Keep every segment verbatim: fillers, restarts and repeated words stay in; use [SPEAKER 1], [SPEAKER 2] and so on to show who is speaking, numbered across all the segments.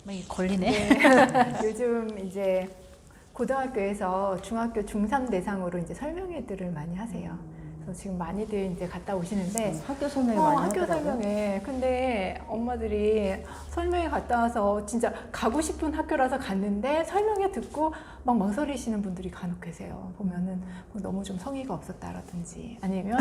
[SPEAKER 1] 이 걸리네.
[SPEAKER 2] 네. 요즘 이제 고등학교에서 중학교 중삼 대상으로 이제 설명회들을 많이 하세요. 그래서 지금 많이들 이제 갔다 오시는데
[SPEAKER 3] 음, 학교 설명이
[SPEAKER 2] 어,
[SPEAKER 3] 많이
[SPEAKER 2] 학교
[SPEAKER 3] 하더라고요.
[SPEAKER 2] 설명회. 근데 엄마들이 설명회 갔다 와서 진짜 가고 싶은 학교라서 갔는데 설명회 듣고 막 망설이시는 분들이 간혹 계세요. 보면은 뭐 너무 좀 성의가 없었다라든지 아니면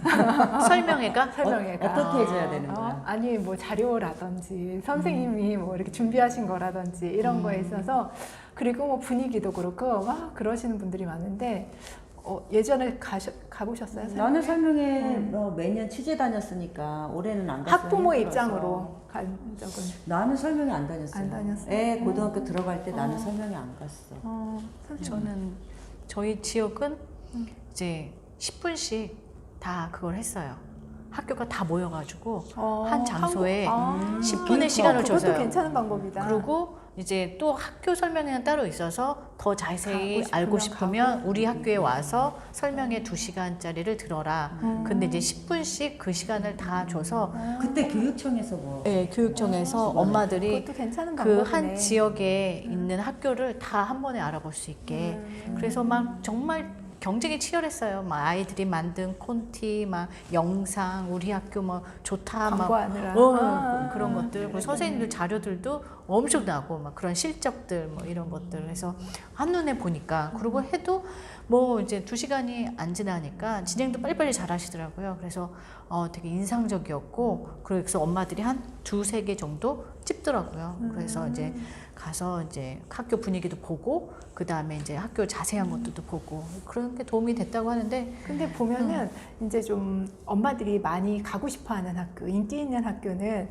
[SPEAKER 1] 설명회가
[SPEAKER 2] 설명회가
[SPEAKER 3] 어, 어떻게 해줘야 되는
[SPEAKER 2] 어,
[SPEAKER 3] 거야?
[SPEAKER 2] 아니 뭐 자료라든지 선생님이 뭐 이렇게 준비하신 거라든지 이런 거에 있어서 그리고 뭐 분위기도 그렇고 막 그러시는 분들이 많은데 어, 예전에 가셔, 가보셨어요?
[SPEAKER 3] 나는 설명회
[SPEAKER 2] 음.
[SPEAKER 3] 어, 매년 취재 다녔으니까 올해는 안 갔어요.
[SPEAKER 2] 학부모
[SPEAKER 3] 힘들어서.
[SPEAKER 2] 입장으로 간 적은
[SPEAKER 3] 나는 설명회 안 다녔어요.
[SPEAKER 2] 안 다녔어요?
[SPEAKER 3] 애
[SPEAKER 2] 음.
[SPEAKER 3] 고등학교 들어갈 때 나는
[SPEAKER 2] 어.
[SPEAKER 3] 설명회 안 갔어.
[SPEAKER 2] 어, 선생님.
[SPEAKER 1] 저는 저희 지역은
[SPEAKER 2] 음.
[SPEAKER 1] 이제 십 분씩 다 그걸 했어요. 학교가 다 모여가지고
[SPEAKER 2] 어,
[SPEAKER 1] 한 장소에
[SPEAKER 2] 한국- 아,
[SPEAKER 1] 십 분의 시간을
[SPEAKER 2] 그것도
[SPEAKER 1] 줘서요.
[SPEAKER 2] 괜찮은 방법이다.
[SPEAKER 1] 그리고 이제 또 학교 설명회는 따로 있어서 더 자세히
[SPEAKER 2] 가고 싶으면
[SPEAKER 1] 알고 싶으면
[SPEAKER 2] 가고.
[SPEAKER 1] 우리 학교에 와서 설명회 두 시간짜리를 들어라.
[SPEAKER 2] 음.
[SPEAKER 1] 근데 이제 십 분씩 그 시간을 다 줘서
[SPEAKER 2] 아,
[SPEAKER 3] 그때 교육청에서 뭐
[SPEAKER 1] 네, 교육청에서
[SPEAKER 3] 아,
[SPEAKER 1] 엄마들이
[SPEAKER 2] 그것도 괜찮은
[SPEAKER 1] 그
[SPEAKER 2] 방법이네.
[SPEAKER 1] 한 지역에 있는 학교를 다 한 번에 알아볼 수 있게
[SPEAKER 2] 음.
[SPEAKER 1] 그래서 막 정말 경쟁이 치열했어요. 막 아이들이 만든 콘티, 막 영상, 우리 학교 뭐 좋다, 막
[SPEAKER 2] 광고하느라.
[SPEAKER 1] 어,
[SPEAKER 2] 아,
[SPEAKER 1] 그런 것들, 그리고 선생님들 자료들도 엄청 나고 막 그런 실적들 뭐 이런 것들 해서 한눈에 보니까 그리고 해도 뭐 이제 두 시간이 안 지나니까 진행도 빨리빨리 잘 하시더라고요. 그래서 어, 되게 인상적이었고 그래서 엄마들이 한 두세 개 정도 찍더라고요. 그래서 이제 가서 이제 학교 분위기도 보고 그 다음에 이제 학교 자세한 것들도 보고 그런 게 도움이 됐다고 하는데
[SPEAKER 2] 근데 보면은
[SPEAKER 1] 음.
[SPEAKER 2] 이제 좀 엄마들이 많이 가고 싶어하는 학교, 인기 있는 학교는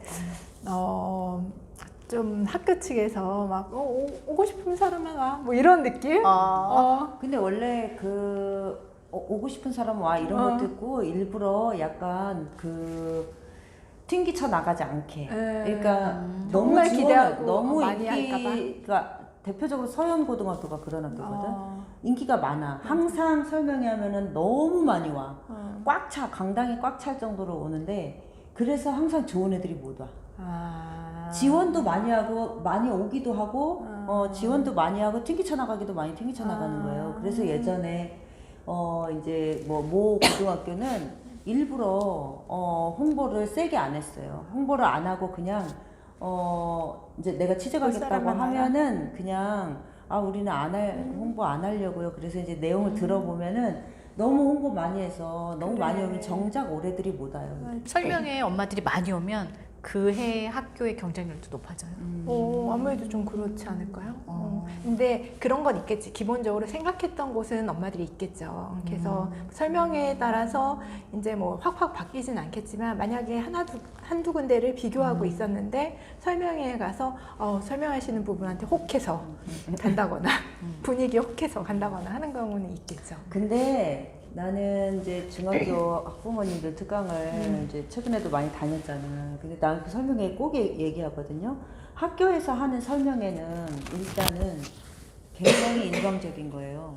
[SPEAKER 2] 어, 좀 학교 측에서 막 어, 오, 오고 싶은 사람만 와, 뭐 이런 느낌?
[SPEAKER 1] 아,
[SPEAKER 2] 어,
[SPEAKER 3] 근데 원래 그 어, 오고 싶은 사람 와 이런
[SPEAKER 2] 어.
[SPEAKER 3] 것도 있고 일부러 약간 그 튕기쳐 나가지 않게. 그러니까
[SPEAKER 1] 음.
[SPEAKER 3] 너무
[SPEAKER 2] 정말
[SPEAKER 3] 지원,
[SPEAKER 2] 기대하고
[SPEAKER 3] 너무
[SPEAKER 2] 많이
[SPEAKER 3] 인기가 대표적으로 서현 고등학교가 그런 학교거든.
[SPEAKER 2] 어,
[SPEAKER 3] 인기가 많아. 항상 설명회 하면은 너무 많이 와.
[SPEAKER 2] 어.
[SPEAKER 3] 꽉 차. 강당이 꽉 찰 정도로 오는데 그래서 항상 좋은 애들이 못 와.
[SPEAKER 2] 아.
[SPEAKER 3] 지원도 많이 하고 많이 오기도 하고
[SPEAKER 2] 아.
[SPEAKER 3] 어, 지원도 많이 하고 튕기쳐 나가기도 많이 튕기쳐 나가는
[SPEAKER 2] 아.
[SPEAKER 3] 거예요. 그래서 예전에 어 이제 뭐 모 고등학교는 일부러 어 홍보를 세게 안 했어요. 홍보를 안 하고 그냥 어 이제 내가 취재
[SPEAKER 2] 볼
[SPEAKER 3] 가겠다고
[SPEAKER 2] 사람만
[SPEAKER 3] 하면은 그냥 아 우리는 안 할 홍보 안 하려고요. 그래서 이제 내용을 들어보면은 너무 홍보 많이 해서 너무
[SPEAKER 2] 그래.
[SPEAKER 3] 많이 오면 정작 올해들이 못 와요.
[SPEAKER 1] 설명회 엄마들이 많이 오면 그 해 학교의 경쟁률도 높아져요.
[SPEAKER 2] 어, 아무래도 좀 그렇지 않을까요? 어. 근데 그런 건 있겠지. 기본적으로 생각했던 곳은 엄마들이 있겠죠. 그래서 설명회에 따라서 이제 뭐 확확 바뀌진 않겠지만 만약에 하나 두, 한두 군데를 비교하고 있었는데 설명회에 가서 어, 설명하시는 부분한테 혹해서 간다거나 분위기에 혹해서 간다거나 하는 경우는 있겠죠.
[SPEAKER 3] 근데 나는 이제 중학교 학부모님들 특강을
[SPEAKER 2] 음.
[SPEAKER 3] 이제 최근에도 많이 다녔잖아. 근데 난 그 설명회 꼭 얘- 얘기하거든요. 학교에서 하는 설명회는 일단은 굉장히 일방적인 거예요.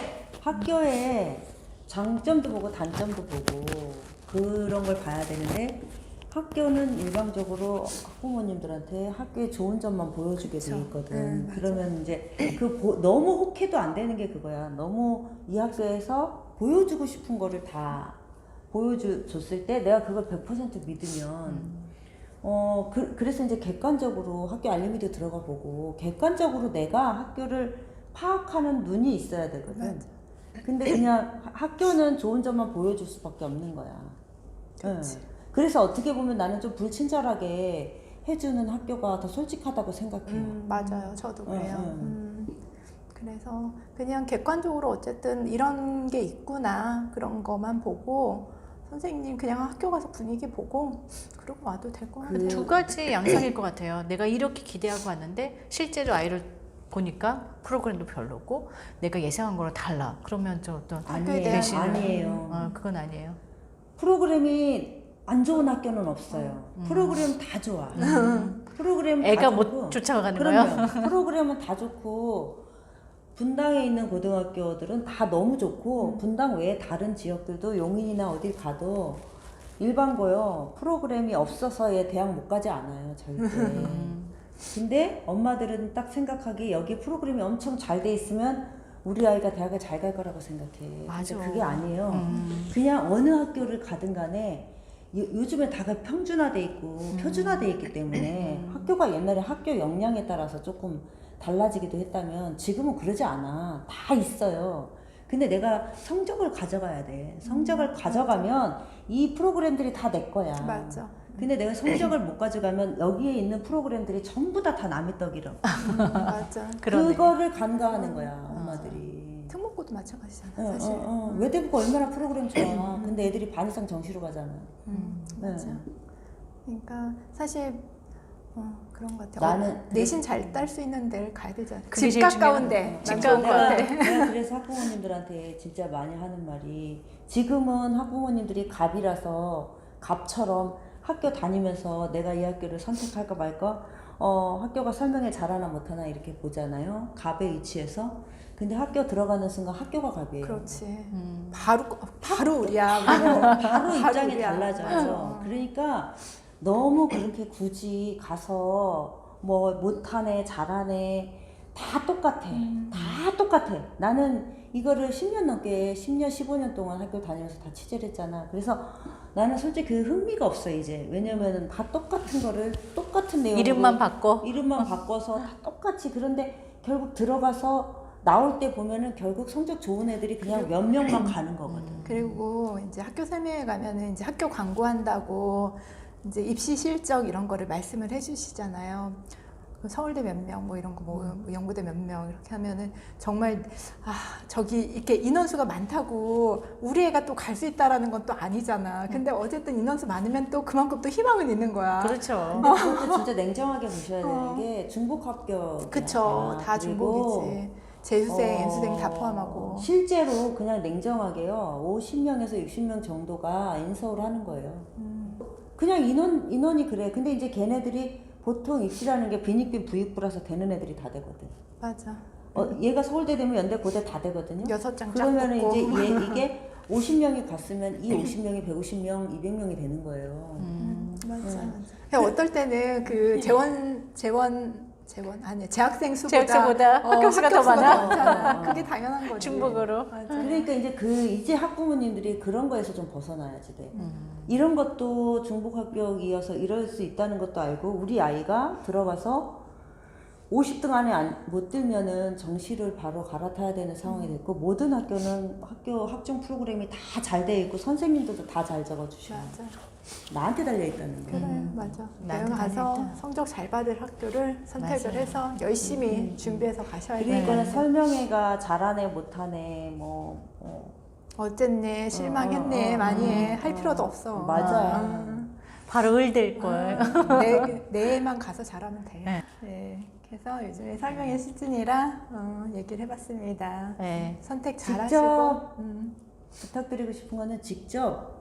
[SPEAKER 3] 학교에 장점도 보고 단점도 보고 그런 걸 봐야 되는데 학교는 일방적으로 학부모님들한테 학교의 좋은 점만 보여주게 돼
[SPEAKER 2] 그쵸.
[SPEAKER 3] 있거든.
[SPEAKER 2] 음, 맞아.
[SPEAKER 3] 그러면 이제 그 보- 너무 혹해도 안 되는 게 그거야. 너무 이 학교에서 보여주고 싶은 거를 다 보여줬을 때 내가 그걸 백 퍼센트 믿으면 어 그, 그래서 이제 객관적으로 학교 알림이도 들어가 보고 객관적으로 내가 학교를 파악하는 눈이 있어야 되거든.
[SPEAKER 2] 맞아.
[SPEAKER 3] 근데 그냥 하- 학교는 좋은 점만 보여줄 수밖에 없는 거야.
[SPEAKER 2] 그치.
[SPEAKER 3] 응. 그래서 어떻게 보면 나는 좀 불친절하게 해주는 학교가 더 솔직하다고 생각해요.
[SPEAKER 2] 음, 맞아요. 저도 그래요.
[SPEAKER 3] 응, 응.
[SPEAKER 2] 음, 그래서 그냥 객관적으로 어쨌든 이런 게 있구나 그런 것만 보고 선생님 그냥 학교 가서 분위기 보고 그러고 와도 될 것 같아요.
[SPEAKER 1] 두 가지 양상일 것 같아요. 내가 이렇게 기대하고 왔는데 실제로 아이를 보니까 프로그램도 별로고 내가 예상한 거랑 달라. 그러면 좀 어떤
[SPEAKER 2] 학교에
[SPEAKER 3] 아니에요.
[SPEAKER 2] 대한
[SPEAKER 1] 배신을-
[SPEAKER 3] 아니에요.
[SPEAKER 1] 어, 그건 아니에요.
[SPEAKER 3] 프로그램이 안 좋은 학교는 없어요.
[SPEAKER 1] 음.
[SPEAKER 3] 프로그램 다 좋아. 프로그램 다
[SPEAKER 1] 애가
[SPEAKER 3] 좋고.
[SPEAKER 1] 못 쫓아가는 거야.
[SPEAKER 3] 그럼요. 프로그램은 다 좋고 분당에 있는 고등학교들은 다 너무 좋고
[SPEAKER 2] 음.
[SPEAKER 3] 분당 외에 다른 지역들도 용인이나 어딜 가도 일반고요. 프로그램이 없어서의 대학 못 가지 않아요. 절대.
[SPEAKER 1] 음.
[SPEAKER 3] 근데 엄마들은 딱 생각하기 여기 프로그램이 엄청 잘 돼 있으면 우리 아이가 대학을 잘 갈 거라고 생각해.
[SPEAKER 1] 맞아.
[SPEAKER 3] 근데 그게 아니에요.
[SPEAKER 1] 음.
[SPEAKER 3] 그냥 어느 학교를 가든 간에 요, 요즘에 다가 평준화돼 있고
[SPEAKER 1] 음.
[SPEAKER 3] 표준화돼 있기 때문에
[SPEAKER 1] 음.
[SPEAKER 3] 학교가 옛날에 학교 역량에 따라서 조금 달라지기도 했다면 지금은 그러지 않아. 다 있어요. 근데 내가 성적을 가져가야 돼. 성적을
[SPEAKER 2] 음,
[SPEAKER 3] 가져가면 이 프로그램들이 다 내 거야.
[SPEAKER 2] 맞아.
[SPEAKER 3] 근데 내가 성적을 못 가져가면 여기에 있는 프로그램들이 전부 다 다 남의 떡이라.
[SPEAKER 2] 음, 맞아.
[SPEAKER 1] 그러네.
[SPEAKER 3] 그거를 간과하는 거야, 엄마들이.
[SPEAKER 2] 특목고도 마찬가지잖아,
[SPEAKER 3] 어,
[SPEAKER 2] 사실.
[SPEAKER 3] 어, 어. 외대부가 얼마나 프로그램 좋아. 근데 애들이 반 이상 정시로 가잖아.
[SPEAKER 2] 음,
[SPEAKER 3] 네.
[SPEAKER 2] 맞아. 그러니까 사실 어, 그런 것 같아.
[SPEAKER 3] 나는
[SPEAKER 2] 어, 내신 잘 딸 수 있는 데를 가야 되잖아.
[SPEAKER 1] 그게
[SPEAKER 2] 집
[SPEAKER 1] 제일
[SPEAKER 2] 가까운데.
[SPEAKER 1] 중요하다.
[SPEAKER 2] 난
[SPEAKER 1] 집
[SPEAKER 2] 좋은 것
[SPEAKER 3] 내가,
[SPEAKER 2] 같아.
[SPEAKER 3] 내가 그래서 학부모님들한테 진짜 많이 하는 말이 지금은 학부모님들이 갑이라서 갑처럼 학교 다니면서 내가 이 학교를 선택할까 말까 어, 학교가 설명회 잘하나 못하나 이렇게 보잖아요. 갑의 위치에서. 근데 학교 들어가는 순간 학교가 갑이에요.
[SPEAKER 2] 그렇지.
[SPEAKER 1] 음.
[SPEAKER 2] 바로 바로 우리야.
[SPEAKER 3] 바로, 바로 입장이
[SPEAKER 2] 우리야.
[SPEAKER 3] 달라져요.
[SPEAKER 2] 맞아.
[SPEAKER 3] 그러니까 너무 그렇게 굳이 가서 뭐 못하네 잘하네 다 똑같아.
[SPEAKER 2] 음.
[SPEAKER 3] 다 똑같아. 나는 이거를 십 년 넘게 십 년 십오 년 동안 학교 다니면서 다 취재를 했잖아. 그래서 나는 솔직히 그 흥미가 없어 이제. 왜냐면은 다 똑같은 거를 똑같은 내용으로
[SPEAKER 1] 이름만 바꿔.
[SPEAKER 3] 이름만 바꿔서 다 똑같이. 그런데 결국 들어가서 나올 때 보면은 결국 성적 좋은 애들이 그냥 몇 명만 가는 거거든.
[SPEAKER 2] 그리고 이제 학교 설명회 가면은 이제 학교 광고한다고 이제 입시 실적 이런 거를 말씀을 해주시잖아요. 그 서울대 몇 명, 뭐 이런 거, 뭐, 뭐 연구대 몇 명 이렇게 하면은 정말 아 저기 이렇게 인원수가 많다고 우리 애가 또 갈 수 있다라는 건 또 아니잖아. 근데 어쨌든 인원수 많으면 또 그만큼 또 희망은 있는 거야.
[SPEAKER 1] 그렇죠.
[SPEAKER 3] 근데 그것도 진짜 냉정하게 보셔야 되는
[SPEAKER 2] 어.
[SPEAKER 3] 게 중복 합격.
[SPEAKER 2] 그쵸, 다 중복이지. 재수생,
[SPEAKER 3] 어,
[SPEAKER 2] 연수생 다 포함하고.
[SPEAKER 3] 실제로 그냥 냉정하게요. 오십 명에서 육십 명 정도가 인서울 하는 거예요.
[SPEAKER 2] 음,
[SPEAKER 3] 그냥 인원, 인원이 그래. 근데 이제 걔네들이 보통 입시라는 게 빈익빈 부익부라서 되는 애들이 다 되거든.
[SPEAKER 2] 맞아.
[SPEAKER 3] 어, 얘가 서울대 되면 연대 고대 다 되거든요.
[SPEAKER 2] 여섯 장
[SPEAKER 3] 그러면
[SPEAKER 2] 짝
[SPEAKER 3] 이제
[SPEAKER 2] 붙고.
[SPEAKER 3] 얘, 이게 오십 명이 갔으면 이 오십 명이 백오십 명, 이백 명이 되는 거예요.
[SPEAKER 1] 음.
[SPEAKER 2] 맞아,
[SPEAKER 3] 음.
[SPEAKER 2] 맞아. 그냥 어떨 때는 그 재원, 재원, 재원 아니 재학생 수보다,
[SPEAKER 1] 재학생보다 학교 수가 더 많아?
[SPEAKER 2] 많잖아. 그게 당연한 거지.
[SPEAKER 1] 중복으로.
[SPEAKER 2] 맞아.
[SPEAKER 3] 그러니까 이제 그 이제 학부모님들이 그런 거에서 좀 벗어나야지 돼.
[SPEAKER 1] 음.
[SPEAKER 3] 이런 것도 중복 합격이어서 이럴 수 있다는 것도 알고 우리 아이가 들어가서 오십 등 안에 안, 못 들면은 정시를 바로 갈아타야 되는 상황이 됐고 모든 학교는 학교 학종 프로그램이 다 잘 돼 있고 선생님들도 다 잘 적어주셔.
[SPEAKER 2] 맞아.
[SPEAKER 3] 나한테 달려 있다는 거.
[SPEAKER 2] 그래,
[SPEAKER 1] 음.
[SPEAKER 2] 맞아.
[SPEAKER 1] 나한테
[SPEAKER 2] 내가 가서
[SPEAKER 1] 달려있다.
[SPEAKER 2] 성적 잘 받을 학교를 선택을
[SPEAKER 1] 맞아요.
[SPEAKER 2] 해서 열심히
[SPEAKER 3] 음.
[SPEAKER 2] 준비해서 가셔야 돼.
[SPEAKER 3] 그러니까
[SPEAKER 1] 네.
[SPEAKER 3] 설명회가 잘하네 못하네 뭐 어,
[SPEAKER 2] 어쨌네, 실망했네,
[SPEAKER 3] 어, 어, 어,
[SPEAKER 2] 많이 해.
[SPEAKER 3] 어,
[SPEAKER 2] 할
[SPEAKER 3] 어.
[SPEAKER 2] 필요도 없어.
[SPEAKER 3] 맞아요.
[SPEAKER 1] 바로 을될 걸.
[SPEAKER 2] 아, 내, 내만 가서 잘하면 돼.
[SPEAKER 1] 네.
[SPEAKER 2] 네. 그래서 요즘에 설명회 시즌이라 어, 얘기를 해봤습니다.
[SPEAKER 1] 네.
[SPEAKER 2] 선택 잘
[SPEAKER 3] 직접
[SPEAKER 2] 하시고. 음.
[SPEAKER 3] 부탁드리고 싶은 거는 직접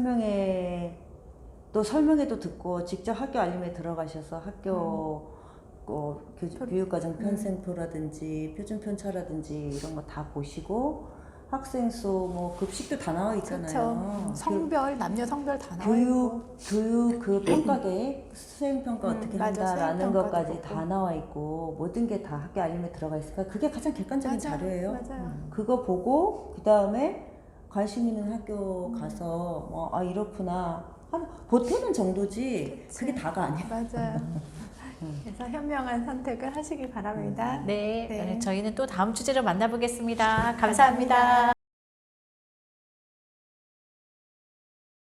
[SPEAKER 3] 설명회 또 설명회도 듣고 직접 학교 알림에 들어가셔서 학교 어, 교- 교육과정 편성표라든지 표준 편차라든지 이런 거 다 보시고 학생 수 뭐 급식도 다 나와 있잖아요.
[SPEAKER 2] 그렇죠. 성별, 남녀 성별 다 나와 있고.
[SPEAKER 3] 교육 교육 그 평가 계획 수행 평가
[SPEAKER 2] 음,
[SPEAKER 3] 어떻게
[SPEAKER 2] 맞아.
[SPEAKER 3] 한다라는
[SPEAKER 2] 수행 평가도
[SPEAKER 3] 것까지
[SPEAKER 2] 보고.
[SPEAKER 3] 다 나와 있고 모든 게 다 학교 알림에 들어가 있으니까 그게 가장 객관적인
[SPEAKER 2] 맞아,
[SPEAKER 3] 자료예요.
[SPEAKER 2] 맞아요.
[SPEAKER 3] 그거 보고 그 다음에 관심 있는 학교 가서 뭐, 아 이렇구나 한 보태는 정도지
[SPEAKER 2] 그치.
[SPEAKER 3] 그게 다가 아니야.
[SPEAKER 2] 맞아요. 그래서 현명한 선택을 하시길 바랍니다.
[SPEAKER 1] 네.
[SPEAKER 2] 네.
[SPEAKER 1] 저희는 또 다음 주제로 만나보겠습니다 감사합니다.